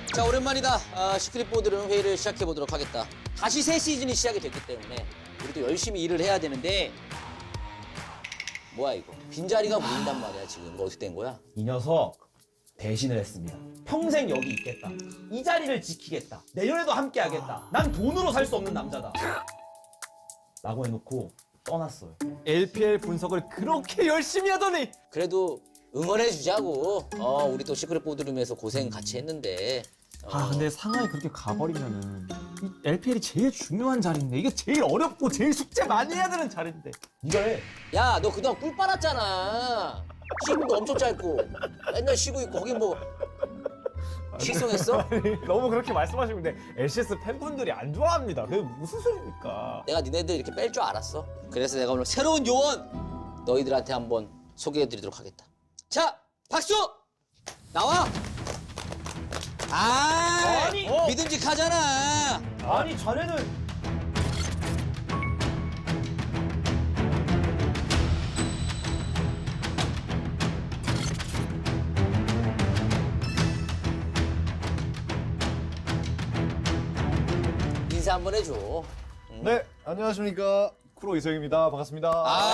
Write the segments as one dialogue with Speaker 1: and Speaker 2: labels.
Speaker 1: 자, 오랜만이다. 시크릿 보드룸 회의를 시작해 보도록 하겠다. 다시 새 시즌이 시작이 됐기 때문에 우리도 열심히 일을 해야 되는데 뭐야 이거? 빈자리가 보인단 말이야 지금. 이거 어떻게 된 거야?
Speaker 2: 이 녀석 배신을 했습니다. 평생 여기 있겠다. 이 자리를 지키겠다. 내년에도 함께 하겠다. 난 돈으로 살 수 없는 남자다. 라고 해놓고 떠났어요.
Speaker 3: LPL 분석을 그렇게 열심히 하더니
Speaker 1: 그래도 응원해 주자고. 우리 또 시크릿 보드룸에서 고생 같이 했는데.
Speaker 3: 근데 상하이 그렇게 가버리면은 이 LPL이 제일 중요한 자리인데 이게 제일 어렵고 제일 숙제 많이 해야 되는 자리인데
Speaker 2: 네가 해.
Speaker 1: 야, 너 그동안 꿀 빨았잖아. 시간도 엄청 짧고 맨날 쉬고 있고 거기 뭐 식성했어?
Speaker 3: 너무 그렇게 말씀하시면 근데 LCS 팬분들이 안 좋아합니다. 그게 무슨 소리입니까?
Speaker 1: 내가 니네들 이렇게 뺄 줄 알았어. 그래서 내가 오늘 새로운 요원 너희들한테 한번 소개해드리도록 하겠다. 자, 박수! 나와!
Speaker 2: 아니!
Speaker 1: 믿음직하잖아.
Speaker 2: 아니 자네는
Speaker 1: 인사 한번 해줘.
Speaker 4: 네, 안녕하십니까. 쿠로 이성입니다. 반갑습니다.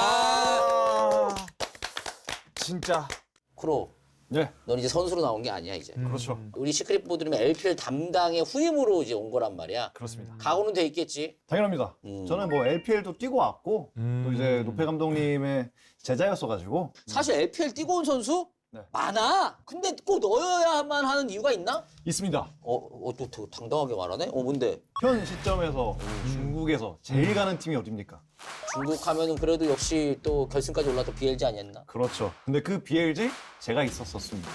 Speaker 3: 진짜
Speaker 1: 쿠로,
Speaker 4: 네,
Speaker 1: 넌 이제 선수로 나온 게 아니야 이제.
Speaker 4: 그렇죠.
Speaker 1: 우리 시크릿 보드룸의 LPL 담당의 후임으로 이제 온 거란 말이야.
Speaker 4: 그렇습니다.
Speaker 1: 각오는 돼 있겠지.
Speaker 4: 당연합니다. 저는 뭐 LPL도 뛰고 왔고, 또 이제 노페 감독님의 제자였어가지고,
Speaker 1: 사실 LPL 뛰고 온 선수
Speaker 4: 네.
Speaker 1: 많아. 근데 꼭 넣어야만 하는 이유가 있나?
Speaker 4: 있습니다.
Speaker 1: 또 되게 당당하게 말하네. 뭔데?
Speaker 4: 현 시점에서 중국에서 제일 가는 팀이 어딥니까?
Speaker 1: 중국 하면은 그래도 역시 또 결승까지 올랐던 BLG 아니었나?
Speaker 4: 그렇죠. 근데 그 BLG 제가 있었었습니다.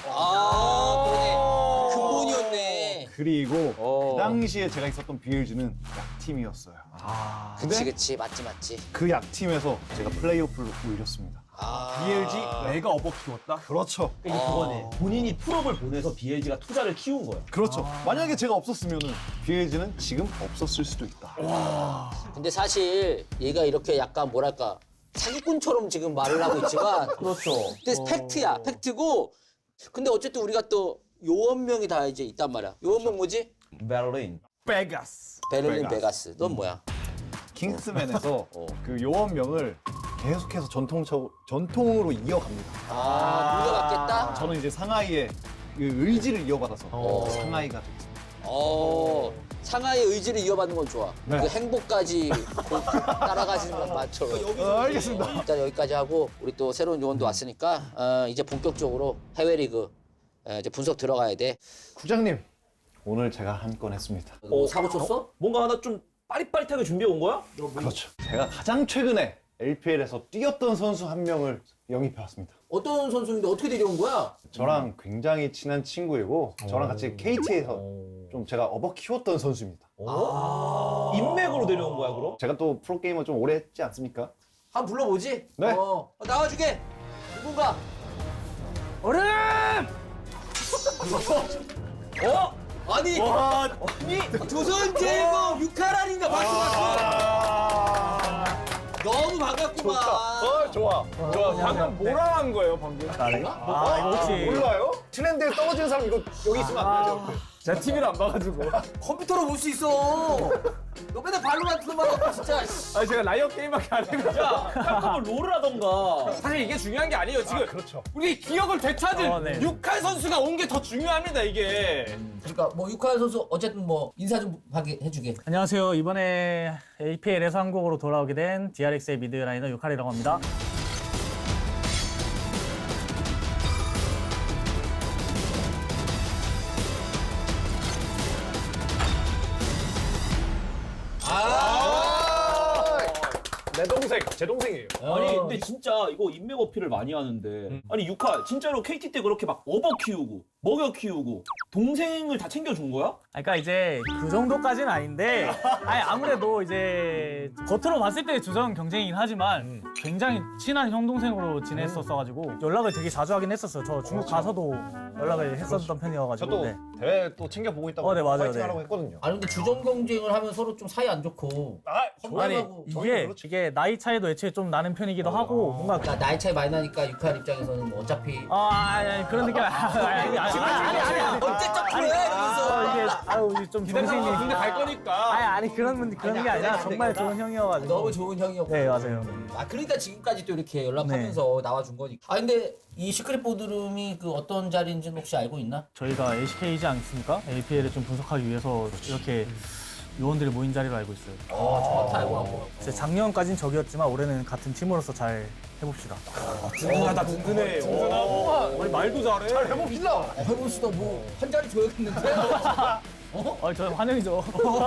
Speaker 1: 그러네. 근본이었네.
Speaker 4: 그리고 그 당시에 제가 있었던 BLG는 약팀이었어요.
Speaker 1: 그치. 맞지.
Speaker 4: 그 약팀에서 제가 플레이오프를 올렸습니다.
Speaker 3: BLG 내가 업어 키웠다?
Speaker 4: 그렇죠.
Speaker 2: 이게 그거네. 본인이 풀업을 보내서 BLG가 투자를 키운 거야.
Speaker 4: 그렇죠. 만약에 제가 없었으면 BLG는 지금 없었을 수도 있다.
Speaker 1: 근데 사실 얘가 이렇게 약간 뭐랄까 사기꾼처럼 지금 말을 하고 있지만
Speaker 2: 그렇죠.
Speaker 1: 근데 팩트야. 팩트고 근데 어쨌든 우리가 또 요원명이 다 이제 있단 말이야. 요원명 뭐지?
Speaker 2: 베를린.
Speaker 3: 베가스.
Speaker 1: 베를린 베가스. 넌 뭐야?
Speaker 4: 킹스맨에서 그 요원명을 계속해서 전통으로 이어갑니다.
Speaker 1: 물려받겠다?
Speaker 4: 저는 이제 상하이의 그 의지를 이어받아서 상하이가 됐습니다.
Speaker 1: 상하이의 의지를 이어받는 건 좋아.
Speaker 4: 네.
Speaker 1: 그 행복까지 따라가시는 건 맞죠.
Speaker 4: 알겠습니다.
Speaker 1: 일단 여기까지 하고 우리 또 새로운 요원도 왔으니까 이제 본격적으로 해외 리그 이제 분석 들어가야 돼.
Speaker 4: 구장님, 오늘 제가 한 건 했습니다.
Speaker 1: 사고 쳤어?
Speaker 2: 뭔가 하나 좀 빠릿빠릿하게 준비해 온 거야?
Speaker 4: 그렇죠. 제가 가장 최근에 LPL에서 뛰었던 선수 한 명을 영입해왔습니다.
Speaker 1: 어떤 선수인데 어떻게 데려온 거야?
Speaker 4: 저랑 굉장히 친한 친구이고 저랑 같이 KT에서 좀 제가 업어 키웠던 선수입니다.
Speaker 2: 인맥으로 데려온 거야 그럼?
Speaker 4: 제가 또 프로게이머 좀 오래 했지 않습니까?
Speaker 1: 한번 불러보지?
Speaker 4: 네.
Speaker 1: 나와주게. 누군가.
Speaker 3: 얼음!
Speaker 1: 아니 조선제공 6할아닌가 박수. 너무 반갑구만.
Speaker 4: 좋아.
Speaker 3: 방금 뭐라 한 거예요 방금? 나래가? 이거 혹시
Speaker 4: 몰라요? 트렌드에 떨어지는 사람 이거 여기 있으면 안 되죠.
Speaker 3: 제가 TV를 안 봐가지고
Speaker 1: 컴퓨터로 볼 수 있어. 너 맨날 발로란트만 하고 진짜.
Speaker 3: 아니 제가 라이엇 게임밖에 안 해가지고
Speaker 2: 한번 롤을 하던가.
Speaker 3: 사실 이게 중요한 게 아니에요 지금
Speaker 4: 그렇죠.
Speaker 3: 우리 기억을 되찾을 육칼 선수가 온 게 더 중요합니다 이게.
Speaker 1: 그러니까 뭐 육할 선수 어쨌든 뭐 인사 좀 하게 해주게.
Speaker 5: 안녕하세요. 이번에 APL에서 한국으로 돌아오게 된 DRX의 미드라이너 유칼이라고 합니다.
Speaker 3: 내 동생, 제 동생이에요.
Speaker 2: 아니 근데 진짜 이거 인맥 어필을 많이 하는데 아니 유카 진짜로 KT 때 그렇게 막 업어 키우고 먹여 키우고 동생을 다 챙겨준 거야?
Speaker 5: 그러니까 이제 그 정도까지는 아닌데, 아니 아무래도 이제 겉으로 봤을 때 주전 경쟁이긴 하지만 굉장히 친한 형 동생으로 지냈었어가지고 연락을 되게 자주 하긴 했었어요. 저 중국 가서도 연락을 했었던 편이어가지고.
Speaker 4: 저도
Speaker 5: 네.
Speaker 4: 대회 또 챙겨보고 있다고
Speaker 5: 네, 맞아요.
Speaker 4: 파이팅
Speaker 5: 네.
Speaker 4: 하라고 했거든요.
Speaker 1: 아니 근데 주전 경쟁을 하면 서로 좀 사이 안 좋고.
Speaker 5: 아니
Speaker 1: 험담하고
Speaker 5: 이게 나이 차이도 애초에 좀 나는 편이기도 하고 뭔가
Speaker 1: 나이 차이 많이 나니까 육할 입장에서는 뭐 어차피
Speaker 5: 아니 그런 느낌 아니
Speaker 1: 언제적 프로야 이러면서.
Speaker 5: 이게 아유 좀 정신이.
Speaker 3: 군대 갈 거니까.
Speaker 5: 아니 그런 게 아니라 정말 좋은 형이어가지고.
Speaker 1: 너무 좋은 형이었고.
Speaker 5: 네 맞아요.
Speaker 1: 아 그러니까 지금까지 또 이렇게 연락하면서 나와준 거니까. 아 근데 이 시크릿 보드룸이 그 어떤 자리인지는 혹시 알고 있나?
Speaker 5: 저희가 LCK이지 않습니까? LPL을 좀 분석하기 위해서 이렇게 요원들이 모인 자리로 알고 있어요.
Speaker 1: 정확히 알고 하고.
Speaker 5: 이제 작년까진 적이었지만 올해는 같은 팀으로서 잘 해봅시다.
Speaker 3: 든든하다 든든해. 우리 말도 잘해. 잘 해봅시다.
Speaker 1: 해봅시다 뭐 한 자리 줘야겠는데.
Speaker 5: 저 환영이죠.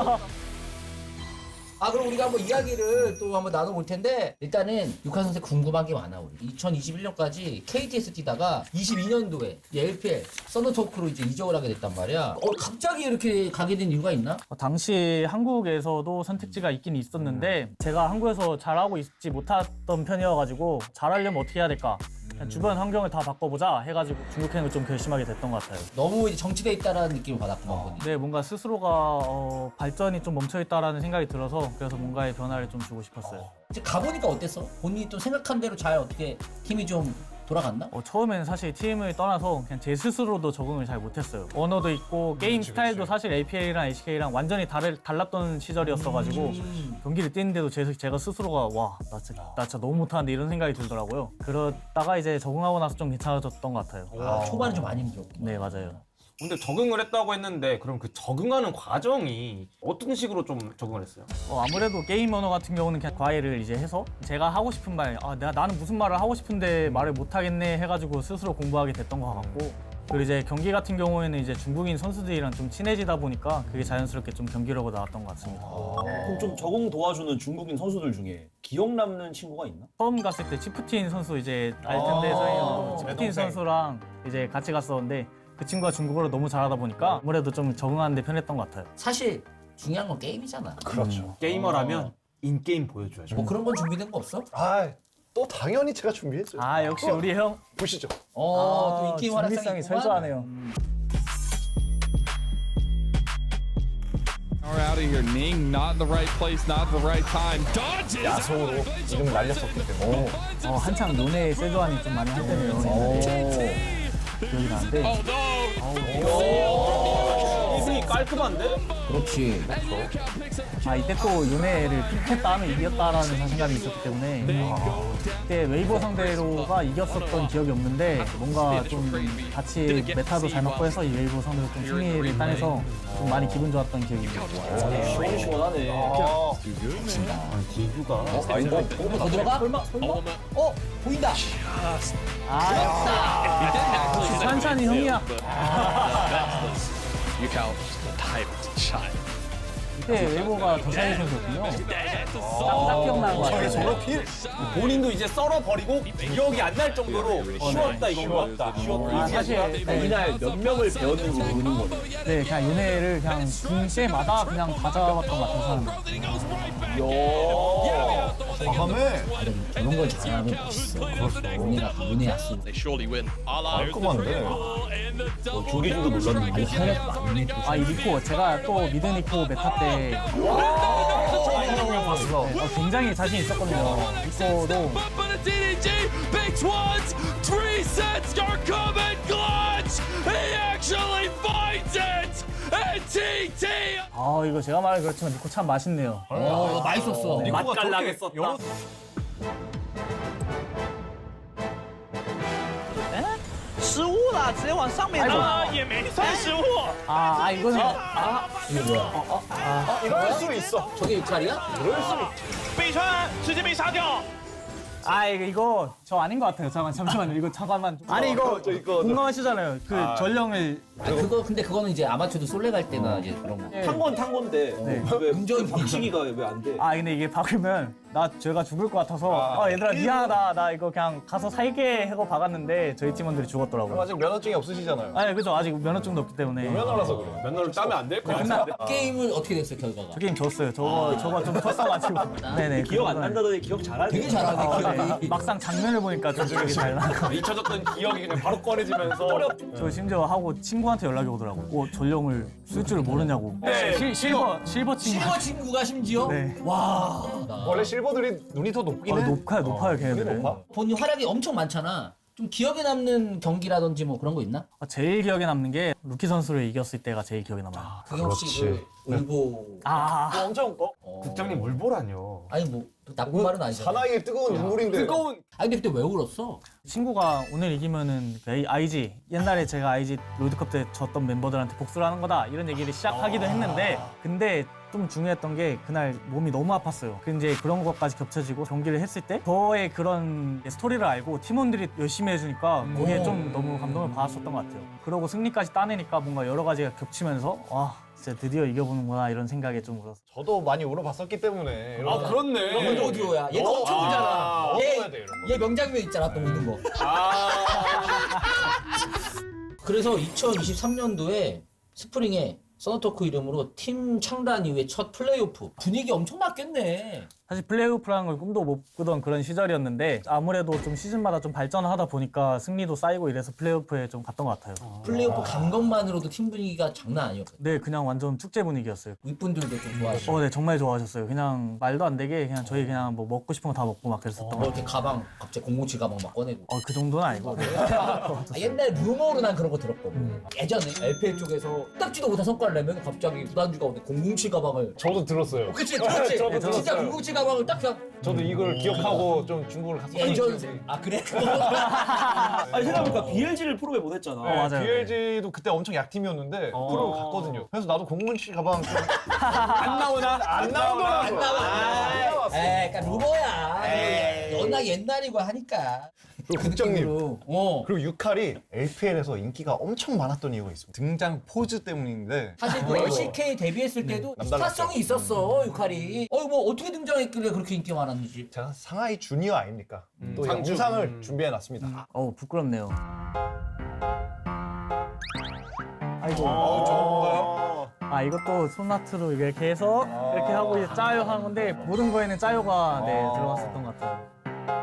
Speaker 1: 아 그럼 우리가 한번 이야기를 또 한번 나눠볼 텐데 일단은 육한 선생 궁금한 게 많아 우리 2021년까지 KT에서 뛰다가 22년도에 LPL 썬더토크로 이제 이적을 하게 됐단 말이야. 갑자기 이렇게 가게 된 이유가 있나?
Speaker 5: 당시 한국에서도 선택지가 있긴 있었는데 제가 한국에서 잘하고 있지 못했던 편이어가지고 잘하려면 어떻게 해야 될까? 그냥 주변 환경을 다 바꿔보자 해가지고 중국행을 좀 결심하게 됐던 것 같아요.
Speaker 1: 너무 이제 정치돼 있다라는 느낌을 받았구만 보니.
Speaker 5: 네, 뭔가 스스로가 발전이 좀 멈춰있다라는 생각이 들어서 그래서 뭔가의 변화를 좀 주고 싶었어요.
Speaker 1: 이제 가보니까 어땠어? 본인이 또 생각한 대로 잘 어떻게 팀이 좀 돌아갔나?
Speaker 5: 처음에는 사실 팀을 떠나서 그냥 제 스스로도 적응을 잘 못했어요. 언어도 있고 게임 스타일도 사실 APL이랑 HK랑 완전히 달랐던 시절이었어가지고 경기를 뛰는데도 제가 스스로가 와, 나 진짜 너무 못하는데 이런 생각이 들더라고요. 그러다가 이제 적응하고 나서 좀 괜찮아졌던 것 같아요.
Speaker 1: 초반에 좀 많이 힘들었고.
Speaker 5: 네, 맞아요.
Speaker 3: 근데 적응을 했다고 했는데 그럼 그 적응하는 과정이 어떤 식으로 좀 적응을 했어요?
Speaker 5: 아무래도 게임 언어 같은 경우는 그냥 과외를 이제 해서 제가 하고 싶은 말, 나는 무슨 말을 하고 싶은데 말을 못 하겠네 해가지고 스스로 공부하게 됐던 것 같고 그리고 이제 경기 같은 경우에는 이제 중국인 선수들이랑 좀 친해지다 보니까 그게 자연스럽게 좀 경기력으로 나왔던 것 같습니다.
Speaker 2: 그럼 좀 적응 도와주는 중국인 선수들 중에 기억 남는 친구가 있나?
Speaker 5: 처음 갔을 때 치프틴 선수 이제 알 텐데 서인형 치프틴 선수랑 이제 같이 갔었는데 그 친구가 중국어를 너무 잘하다 보니까 아무래도 좀 적응하는 데 편했던 것 같아요.
Speaker 1: 사실 중요한 건 게임이잖아.
Speaker 4: 그렇죠.
Speaker 3: 게이머라면 인게임 보여줘야죠.
Speaker 1: 뭐 그런 건 준비된 거 없어?
Speaker 4: 또 당연히 제가 준비했어요.
Speaker 5: 역시 우리 형.
Speaker 4: 보시죠.
Speaker 1: 또 인기 활약상이
Speaker 5: 준비성이
Speaker 1: 있구만.
Speaker 5: 철저하네요.
Speaker 6: Out of here, Ning, not the right place, not the right time. Dodges.
Speaker 4: 야송으로 이름을 날렸었기 때문에.
Speaker 5: 한창 논의 세조안이 좀 많이 할 때네요. 기억이 나는데.
Speaker 3: 이분이 깔끔한데?
Speaker 1: 그렇지.
Speaker 5: 이때 또 요네를 픽했다 하면 이겼다라는 자신감이 있었기 때문에 그때 웨이버 상대로가 이겼었던 기억이 없는데 뭔가 좀 같이 메타도 잘 맞고 해서 이 웨이버 상대로 좀 승리를 따내서 좀 많이 기분 좋았던 기억이 있어요.
Speaker 2: 시원시원하네.
Speaker 1: 더 들어가? 설마? 보인다.
Speaker 5: 역시 찬찬이 형이야.
Speaker 6: Look how tight shot.
Speaker 5: 이때 웨이버가 더샤이 선수였군요. 딱 기억나는 것 같아요.
Speaker 3: 저렇게 본인도 이제 썰어버리고 기억이 안 날 정도로 쉬웠다 이건가? 쉬웠다.
Speaker 5: 사실
Speaker 2: 이날 몇 명을 배웠는지 모르는 거네.
Speaker 5: 네, 그냥 요네를 그냥 중 때마다 그냥 다 잡았던 것 같은 사람.
Speaker 4: 다음에
Speaker 1: 그런 걸 잘하면 멋있어. 요네 야수.
Speaker 6: They surely win.
Speaker 4: 깔끔한데.
Speaker 2: 조기준도 놀랐는데.
Speaker 1: 활약 많이 해.
Speaker 5: 이 니코 제가 또 미드 니코 메타 때 굉장히 자신 있었거든요. 니코도
Speaker 6: But a DDG, big ones, 3 sets are coming clutch. He actually finds it. And TT.
Speaker 5: 이거 제가 말은 그렇지만 니코 참 맛있네요.
Speaker 1: 이거 맛있었어.
Speaker 3: 맛깔나게 썼다.
Speaker 5: 이거는
Speaker 1: 이거 뭐야?
Speaker 4: 이럴 수 있어.
Speaker 1: 저게 6살이야?
Speaker 5: 이거 저 아닌 것 같아요. 잠시만요. 이거 잠깐만. 아니 이거 공감하시잖아요. 그 전령을
Speaker 1: 근데 그거는 이제 아마추어도 솔레 갈 때나 이제 그런 거.
Speaker 2: 탄 건데 왜
Speaker 1: 운전이
Speaker 2: 박치기가 왜 안 돼?
Speaker 5: 근데 이게 박으면 제가 죽을 것 같아서 얘들아 미안하다. 나 이거 그냥 가서 살게 하고 박았는데 저희 팀원들이 죽었더라고요.
Speaker 4: 아직 면허증이 없으시잖아요.
Speaker 5: 그죠. 아직 면허증도 없기 때문에.
Speaker 4: 면허라서 그래요.
Speaker 3: 면허를 따면 안 될 것 같아.
Speaker 1: 게임은 어떻게 됐어 결과가?
Speaker 5: 저 게임 졌어요. 저거 좀 컸어가지고. 네네.
Speaker 2: 기억 안 난다더니 기억 잘하네.
Speaker 1: 되게 잘하네 기억이.
Speaker 5: 막상 장면을 보니까 좀 기억이 잘 나.
Speaker 3: 잊혀졌던 기억이 그냥 바로 꺼내지면서
Speaker 5: 저 심지어 하고 친구한테 연락이 오더라고. 전령을 쓸 줄 모르냐고. 실버 친구.
Speaker 1: 실버 친구가 심지어?
Speaker 5: 네.
Speaker 1: 와.
Speaker 4: 원래 실버들이 눈이 더 높긴 해.
Speaker 5: 높아요 걔네들은.
Speaker 4: 높아?
Speaker 1: 본인 활약이 엄청 많잖아. 좀 기억에 남는 경기라든지 뭐 그런 거 있나?
Speaker 5: 제일 기억에 남는 게 루키 선수를 이겼을 때가 제일 기억에 남아요.
Speaker 1: 그게 혹시 그 울보
Speaker 4: 엄청
Speaker 3: 국장님 뭘 보라뇨.
Speaker 1: 아니 뭐 나쁜 말은 아니잖아.
Speaker 4: 사나이의 뜨거운 눈물인데.
Speaker 3: 뜨거운
Speaker 1: 아니 근데 그때 왜 울었어?
Speaker 5: 친구가 오늘 이기면은 그 IG 옛날에 제가 IG 롤드컵 때 졌던 멤버들한테 복수를 하는 거다 이런 얘기를 시작하기도 했는데 근데 좀 중요했던 게 그날 몸이 너무 아팠어요. 근데 이제 그런 것까지 겹쳐지고 경기를 했을 때 저의 그런 스토리를 알고 팀원들이 열심히 해주니까 거기에 좀 너무 감동을 받았었던 것 같아요. 그러고 승리까지 따내니까 뭔가 여러 가지가 겹치면서 와 진짜 드디어 이겨보는구나 이런 생각에 좀 울었어요.
Speaker 4: 저도 많이 울어봤었기 때문에.
Speaker 3: 아 그렇네.
Speaker 1: 먼저 오디오야. 얘가 엄청 울잖아.
Speaker 4: 얻어야 돼, 이런 거.
Speaker 1: 얘 명장면 있잖아 또 우는 거. 그래서 2023년도에 스프링에 서너토크 이름으로 팀 창단 이후에 첫 플레이오프 분위기 엄청 났겠네.
Speaker 5: 사실 플레이오프라는 걸 꿈도 못 꾸던 그런 시절이었는데 아무래도 좀 시즌마다 좀 발전하다 보니까 승리도 쌓이고 이래서 플레이오프에 좀 갔던 것 같아요.
Speaker 1: 플레이오프 간 것만으로도 팀 분위기가 장난 아니었거든.
Speaker 5: 네, 그냥 완전 축제 분위기였어요.
Speaker 1: 윗분들도 좀 좋아하시고.
Speaker 5: 네, 정말 좋아하셨어요. 그냥 말도 안 되게 그냥 저희 그냥 뭐 먹고 싶은 거 다 먹고 막 그랬었던 것
Speaker 1: 뭐
Speaker 5: 같아요.
Speaker 1: 이렇게 가방 갑자기 007 가방 막 꺼내고.
Speaker 5: 그 정도는 아니고.
Speaker 1: 옛날에 루머로 난 그런 거 들었거든. 예전에 LPL 쪽에서 딱지도 못한 성과를 내면 갑자기 구단주가 오는데 007 가방을.
Speaker 4: 저도 들었어요.
Speaker 1: 그치 들었지?
Speaker 4: 저도
Speaker 1: 진짜
Speaker 4: 들었어요.
Speaker 1: 007 가방을 딱 그냥
Speaker 4: 저도 이걸 기억하고 좀 중국을 갔었어요.
Speaker 1: 예전. 아 그래?
Speaker 2: 아니 생각해보니까 BLG를 프로에 보냈잖아.
Speaker 5: 맞아요.
Speaker 4: BLG도 그때 엄청 약팀이었는데 프로 갔거든요. 그래서 나도 007 가방 좀
Speaker 3: 안 나오나?
Speaker 4: 안 나오더라고.
Speaker 1: 안 나와. 에이, 그러니까 루머야. 워낙 옛날이고 하니까.
Speaker 4: 그리고 국장님.
Speaker 1: 느낌으로.
Speaker 4: 그리고 유칼이 LPL에서 인기가 엄청 많았던 이유가 있습니다. 등장 포즈 때문인데
Speaker 1: 사실 그 LCK 데뷔했을 때도 스타성이 있었어 유칼이. 뭐 어떻게 등장했길래 그렇게 인기가 많았는지.
Speaker 4: 제가 상하이 주니어 아닙니까? 또
Speaker 3: 상주.
Speaker 4: 영상을 준비해놨습니다.
Speaker 5: 부끄럽네요. 아이고.
Speaker 4: 저건가요?
Speaker 5: 이것도 손나트로 이렇게 해서 이렇게 하고 이제 짜요 하는 건데 모든 거에는 짜요가 들어갔었던 것 같아요.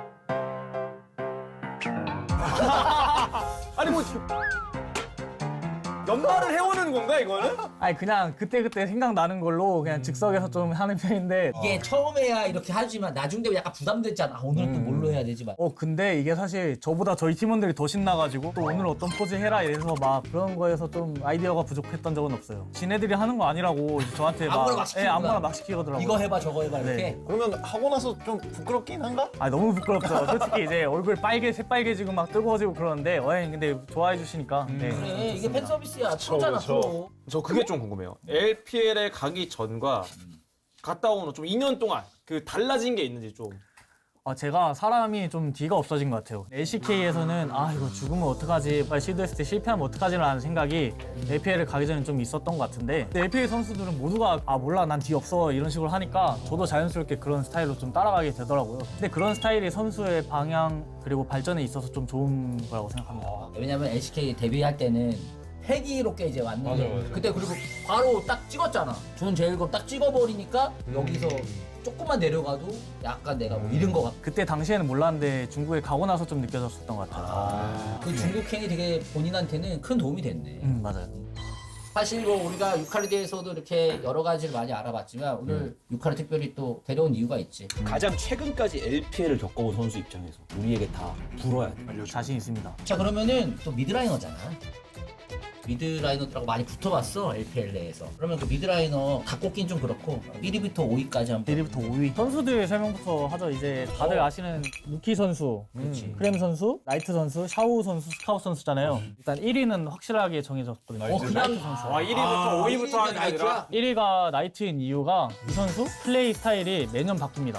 Speaker 3: 아니 뭐 연말을 해오는 건가 이거는?
Speaker 5: 그냥 그때그때 생각나는 걸로 그냥 즉석에서 좀 하는 편인데
Speaker 1: 이게 처음에야 이렇게 하지만 나중 되면 약간 부담됐잖아. 오늘은 또 뭘로 해야 되지? 막.
Speaker 5: 근데 이게 사실 저보다 저희 팀원들이 더 신나가지고 또 오늘 어떤 포즈 해라 이래서 막 그런 거에서 좀 아이디어가 부족했던 적은 없어요. 지네들이 하는 거 아니라고 이제 저한테
Speaker 1: 아무거나 막 시키는구나.
Speaker 5: 아무거나 막 시키더라고요.
Speaker 1: 이거 해봐 저거 해봐 이렇게.
Speaker 5: 네.
Speaker 4: 그러면 하고 나서 좀 부끄럽긴 한가?
Speaker 5: 너무 부끄럽죠. 솔직히 이제 얼굴 새빨개지고 막 뜨거워지고 그러는데 근데 좋아해 주시니까 네.
Speaker 1: 그래 이게 팬 서비스야. 프로잖아 프로.
Speaker 3: 저 그게 좀 궁금해요. LPL에 가기 전과 갔다 온 후 좀 2년 동안 그 달라진 게 있는지 좀.
Speaker 5: 제가 사람이 좀 뒤가 없어진 것 같아요. LCK에서는 이거 죽으면 어떡하지, 빨리 시도했을 때 실패하면 어떡하지라는 생각이 LPL을 가기 전에 좀 있었던 것 같은데 LPL 선수들은 모두가 몰라 난 뒤 없어 이런 식으로 하니까 저도 자연스럽게 그런 스타일로 좀 따라가게 되더라고요. 근데 그런 스타일이 선수의 방향 그리고 발전에 있어서 좀 좋은 거라고 생각합니다.
Speaker 1: 왜냐면 LCK 데뷔할 때는 패기롭게 이제 왔는데
Speaker 4: 맞아.
Speaker 1: 그때 그리고 바로 딱 찍었잖아. 존 제일검 딱 찍어버리니까 여기서 조금만 내려가도 약간 내가 뭐 잃은 것 같아.
Speaker 5: 그때 당시에는 몰랐는데 중국에 가고 나서 좀 느껴졌었던 것 같아요.
Speaker 1: 그 중국 캔이 되게 본인한테는 큰 도움이 됐네.
Speaker 5: 맞아요.
Speaker 1: 사실 뭐 우리가 유카리에 대해서도 이렇게 여러 가지를 많이 알아봤지만 오늘 유카리 특별히 또 데려온 이유가 있지.
Speaker 2: 가장 최근까지 LPL을 겪어본 선수 입장에서 우리에게 다 불어야 돼.
Speaker 5: 자신 있습니다.
Speaker 1: 자 그러면은 또 미드라이너잖아. 미드라이너들하고 많이 붙어봤어 LPL 내에서. 그러면 그 미드라이너 다 꼽긴 좀 그렇고 1위부터 5위까지 한번.
Speaker 5: 1위부터 5위. 선수들 설명부터 하죠. 이제 다들 아시는 루키 선수, 크렘 선수, 나이트 선수, 샤오 선수, 스카웃 선수잖아요. 일단 1위는 확실하게 정해졌거든요.
Speaker 1: 그냥
Speaker 3: 1위부터 5위부터 하는 게 아니라
Speaker 5: 1위가 나이트인 이유가 이 선수 플레이 스타일이 매년 바뀝니다.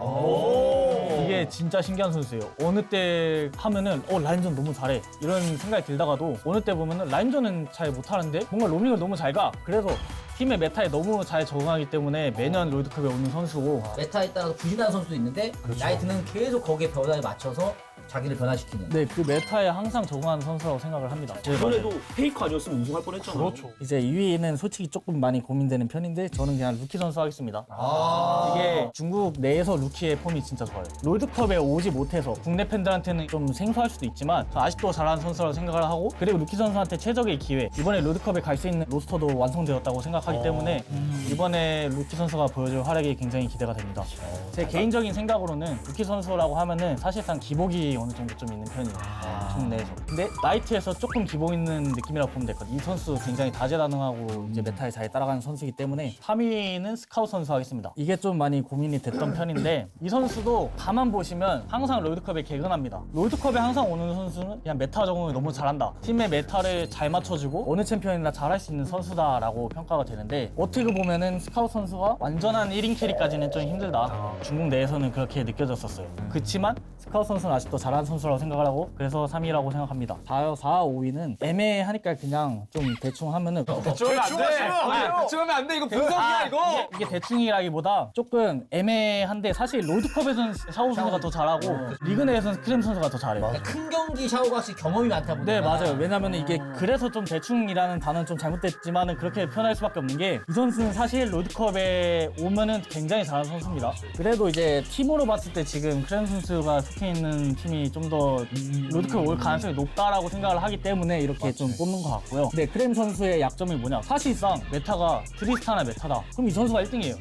Speaker 5: 이게 진짜 신기한 선수예요. 어느 때 하면은 라인전 너무 잘해 이런 생각이 들다가도 어느 때 보면은 라인전은 잘 못하는데 뭔가 로밍을 너무 잘 가. 그래서 팀의 메타에 너무 잘 적응하기 때문에 매년 롤드컵에 오는 선수고
Speaker 1: 메타에 따라서 부진하는 선수도 있는데 나이트는 계속 거기에 변화에 맞춰서 자기를 변화시키는.
Speaker 5: 네, 그 메타에 항상 적응하는 선수라고 생각을 합니다.
Speaker 2: 이번에도 페이크 아니었으면 우승할 뻔했잖아.
Speaker 4: 그렇죠.
Speaker 5: 이제 2위는 솔직히 조금 많이 고민되는 편인데 저는 그냥 루키 선수 하겠습니다. 이게 중국 내에서 루키의 폼이 진짜 좋아요. 롤드컵에 오지 못해서 국내 팬들한테는 좀 생소할 수도 있지만 저 아직도 잘하는 선수라고 생각을 하고 그리고 루키 선수한테 최적의 기회 이번에 롤드컵에 갈 수 있는 로스터도 완성되었다고 생각하기 때문에 이번에 루키 선수가 보여줄 활약이 굉장히 기대가 됩니다. 제 개인적인 생각으로는 루키 선수라고 하면은 사실상 기복이 기복이 어느 정도 좀 있는 편이에요. 중국 내에서. 근데 나이트에서 조금 기복 있는 느낌이라고 보면 될 것 같아요. 이 선수 굉장히 다재다능하고 이제 메타에 잘 따라가는 선수이기 때문에 3위는 스카웃 선수 하겠습니다. 이게 좀 많이 고민이 됐던 편인데 이 선수도 가만 보시면 항상 롤드컵에 개근합니다. 롤드컵에 항상 오는 선수는 그냥 메타 적응을 너무 잘한다. 팀의 메타를 잘 맞춰주고 어느 챔피언이나 잘할 수 있는 선수다라고 평가가 되는데 어떻게 보면은 스카웃 선수가 완전한 1인 캐리까지는 좀 힘들다. 중국 내에서는 그렇게 느껴졌었어요. 그렇지만 스카웃 선수는 아직도 잘하는 선수라고 생각을 하고 그래서 3위라고 생각합니다. 4, 5위는 애매하니까 그냥 좀 대충 하면은
Speaker 3: 대충 하면 안 돼. 대충 하면 안 돼. 이거 분석이야 이거.
Speaker 5: 이게 대충이라기보다 조금 애매한데 사실 롤드컵에서는 샤오 선수가 더 잘하고 리그 내에서는 크렘 선수가 더 잘해요.
Speaker 1: 큰 경기 샤오가 확실히 경험이 많다 보니까.
Speaker 5: 네 맞아요. 왜냐면 이게 그래서 좀 대충이라는 단어는 좀 잘못됐지만은 그렇게 표현할 수밖에 없는 게 이 선수는 사실 롤드컵에 오면은 굉장히 잘하는 선수입니다. 그래도 이제 팀으로 봤을 때 지금 크렘 선수가 속해 있는 팀이 좀 더 롤드컵에 올 가능성이 높다라고 생각을 하기 때문에 이렇게 좀 뽑는 것 같고요. 근데 크렘 선수의 약점이 뭐냐? 사실상 메타가 트리스타나 메타다. 그럼 이 선수가 1등이에요.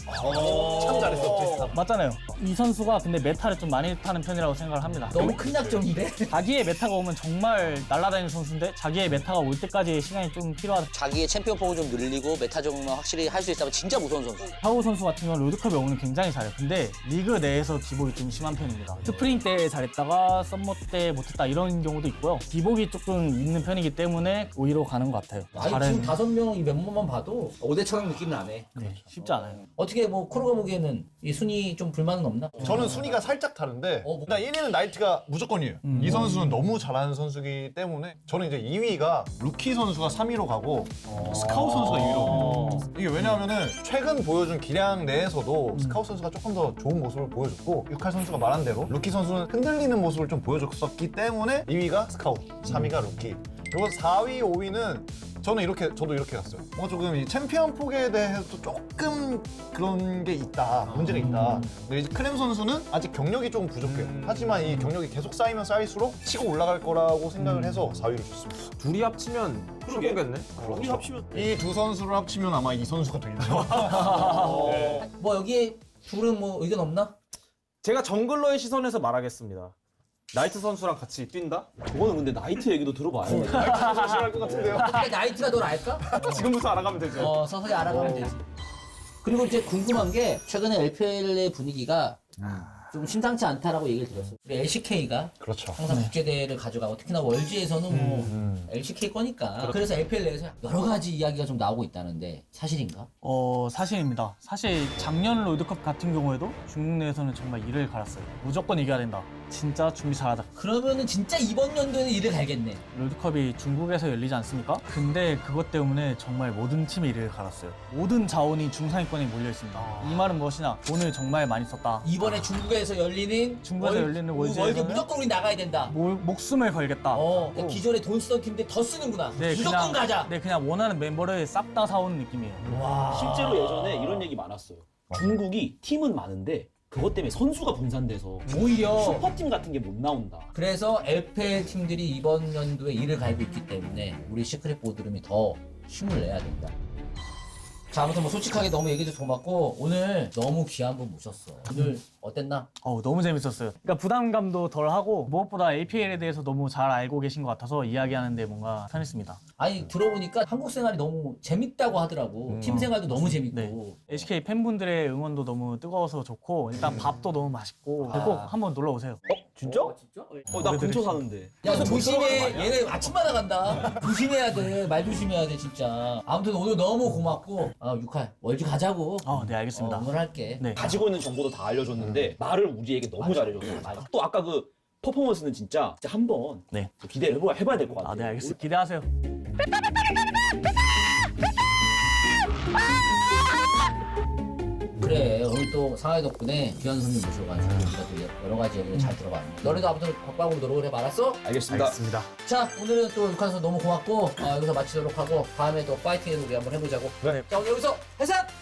Speaker 4: 참 잘했어.
Speaker 5: 맞잖아요. 이 선수가 근데 메타를 좀 많이 타는 편이라고 생각을 합니다.
Speaker 1: 너무 큰 약점인데?
Speaker 5: 자기의 메타가 오면 정말 날아다니는 선수인데 자기의 메타가 올 때까지 시간이 좀 필요하다.
Speaker 1: 자기의 챔피언 포를 좀 늘리고 메타 적응만 확실히 할 수 있다면 진짜 무서운 선수.
Speaker 5: 샤오 선수 같은 경우는 롤드컵에 오면 굉장히 잘해요. 근데 리그 내에서 기복이 좀 심한 편입니다. 스프링 때 잘했다가 썸머 때 못했다 이런 경우도 있고요. 기복이 조금 있는 편이기 때문에 5위로 가는 것 같아요.
Speaker 1: 아니 지금 5명 이 멤버만 봐도 5대처럼 느낌 나네.
Speaker 5: 네, 쉽지 않아요.
Speaker 1: 어떻게 뭐 코로가 보기에는 이 순위 좀 불만은 없나?
Speaker 4: 저는 순위가 살짝 다른데
Speaker 1: 뭐.
Speaker 4: 일단 1위는 나이트가 무조건이에요. 이 선수는 너무 잘하는 선수이기 때문에 저는 이제 2위가 루키 선수가 3위로 가고 스카웃 선수가 2위로 가요. 이게 왜냐하면은 최근 보여준 기량 내에서도 스카웃 선수가 조금 더 좋은 모습을 보여줬고 육할 선수가 말한 대로 루키 선수는 흔들리는 모습을 좀 보여줬었기 때문에 2위가 스카웃, 3위가 루키. 그리고 4위, 5위는 저도 이렇게 갔어요. 조금 이 챔피언 폭에 대해서 조금 그런 게 있다, 문제가 있다. 근데 이제 크렘 선수는 아직 경력이 조금 부족해요. 하지만 이 경력이 계속 쌓이면 쌓일수록 치고 올라갈 거라고 생각을 해서 4위를 줬습니다.
Speaker 3: 둘이 합치면 최고겠네.
Speaker 2: 우리 합치면
Speaker 4: 이 두 선수를 합치면 아마 이 선수가 되겠죠.
Speaker 1: 뭐 여기에 둘은 뭐 의견 없나?
Speaker 3: 제가 정글러의 시선에서 말하겠습니다. 나이트 선수랑 같이 뛴다?
Speaker 2: 그거는 근데 나이트 얘기도 들어봐요.
Speaker 4: 싫어할 것 같은데요.
Speaker 1: 근데 나이트가 널 알까?
Speaker 3: 지금부터 알아가면 되죠.
Speaker 1: 서서히 알아가면 되지. 그리고 이제 궁금한 게 최근에 LPL의 분위기가 좀 심상치 않다라고 얘기를 들었어요. 우리 LCK가
Speaker 4: 그렇죠.
Speaker 1: 항상 국제대회를 가져가고 특히나 월지에서는 뭐 LCK 거니까 그래서 LPL 내에서 여러 가지 이야기가 좀 나오고 있다는데 사실인가?
Speaker 5: 사실입니다. 사실 작년 롤드컵 같은 경우에도 중국 내에서는 정말 이를 갈았어요. 무조건 이겨야 된다. 진짜 준비 잘하자.
Speaker 1: 그러면은 진짜 이번 연도에는 이를 갈겠네.
Speaker 5: 롤드컵이 중국에서 열리지 않습니까? 근데 그것 때문에 정말 모든 팀이 이를 갈았어요. 모든 자원이 중상위권에 몰려 있습니다. 이 말은 무엇이냐? 돈을 정말 많이 썼다.
Speaker 1: 이번에 중국에서 열리는
Speaker 5: 중국에서 열리는 월드에서는
Speaker 1: 월드 무조건 우리 나가야 된다.
Speaker 5: 목숨을 걸겠다.
Speaker 1: 그러니까 기존에 돈 쓰던 팀들 더 쓰는구나. 무조건 가자.
Speaker 5: 네, 그냥 원하는 멤버를 싹 다 사오는 느낌이에요.
Speaker 1: 와.
Speaker 2: 실제로 예전에 이런 얘기 많았어요. 중국이 팀은 많은데 그것 때문에 선수가 분산돼서
Speaker 1: 오히려
Speaker 2: 슈퍼팀 같은 게 못 나온다.
Speaker 1: 그래서 LPL 팀들이 이번 연도에 이를 갈고 있기 때문에 우리 시크릿 보드룸이 더 힘을 내야 된다. 자, 아무튼 뭐 솔직하게 너무 얘기해줘서 고맙고 오늘 너무 귀한 분 모셨어. 오늘 어땠나?
Speaker 5: 너무 재밌었어요. 그러니까 부담감도 덜하고 무엇보다 LPL에 대해서 너무 잘 알고 계신 것 같아서 이야기하는데 뭔가 편했습니다.
Speaker 1: 아니 들어보니까 한국 생활이 너무 재밌다고 하더라고. 팀 생활도 너무 재밌고.
Speaker 5: 네. LCK 팬분들의 응원도 너무 뜨거워서 좋고 일단 밥도 너무 맛있고 꼭 한번 놀러 오세요.
Speaker 2: 진짜?
Speaker 1: 진짜?
Speaker 2: 나 근처 사는데.
Speaker 1: 야, 조심해. 얘네 아침마다 간다. 조심해야 돼. 말 조심해야 돼, 진짜. 아무튼 오늘 너무 고맙고, 6할 월주 가자고.
Speaker 5: 네, 알겠습니다.
Speaker 1: 응원할게.
Speaker 5: 네.
Speaker 2: 가지고 있는 정보도 다 알려줬는데 말을 우리에게 너무 잘해줬어. 또 아까 그 퍼포먼스는 진짜 한번
Speaker 5: 네.
Speaker 2: 기대를 해봐야 될 것 같아요.
Speaker 5: 네, 알겠습니다. 기대하세요.
Speaker 1: 그래, 오늘 또 상하이 덕분에 귀한 손님 모셔가지고 우리가 또 여러 가지 얘기를 잘 들어봤는데. 너네도 아무튼 박박으로 노력을 해봐, 알았어?
Speaker 2: 알겠습니다.
Speaker 1: 자, 오늘은 또 육한 선수 너무 고맙고, 여기서 마치도록 하고, 다음에 또 파이팅해서 우리 한번 해보자고.
Speaker 5: 네.
Speaker 1: 자, 오늘 여기서 해산!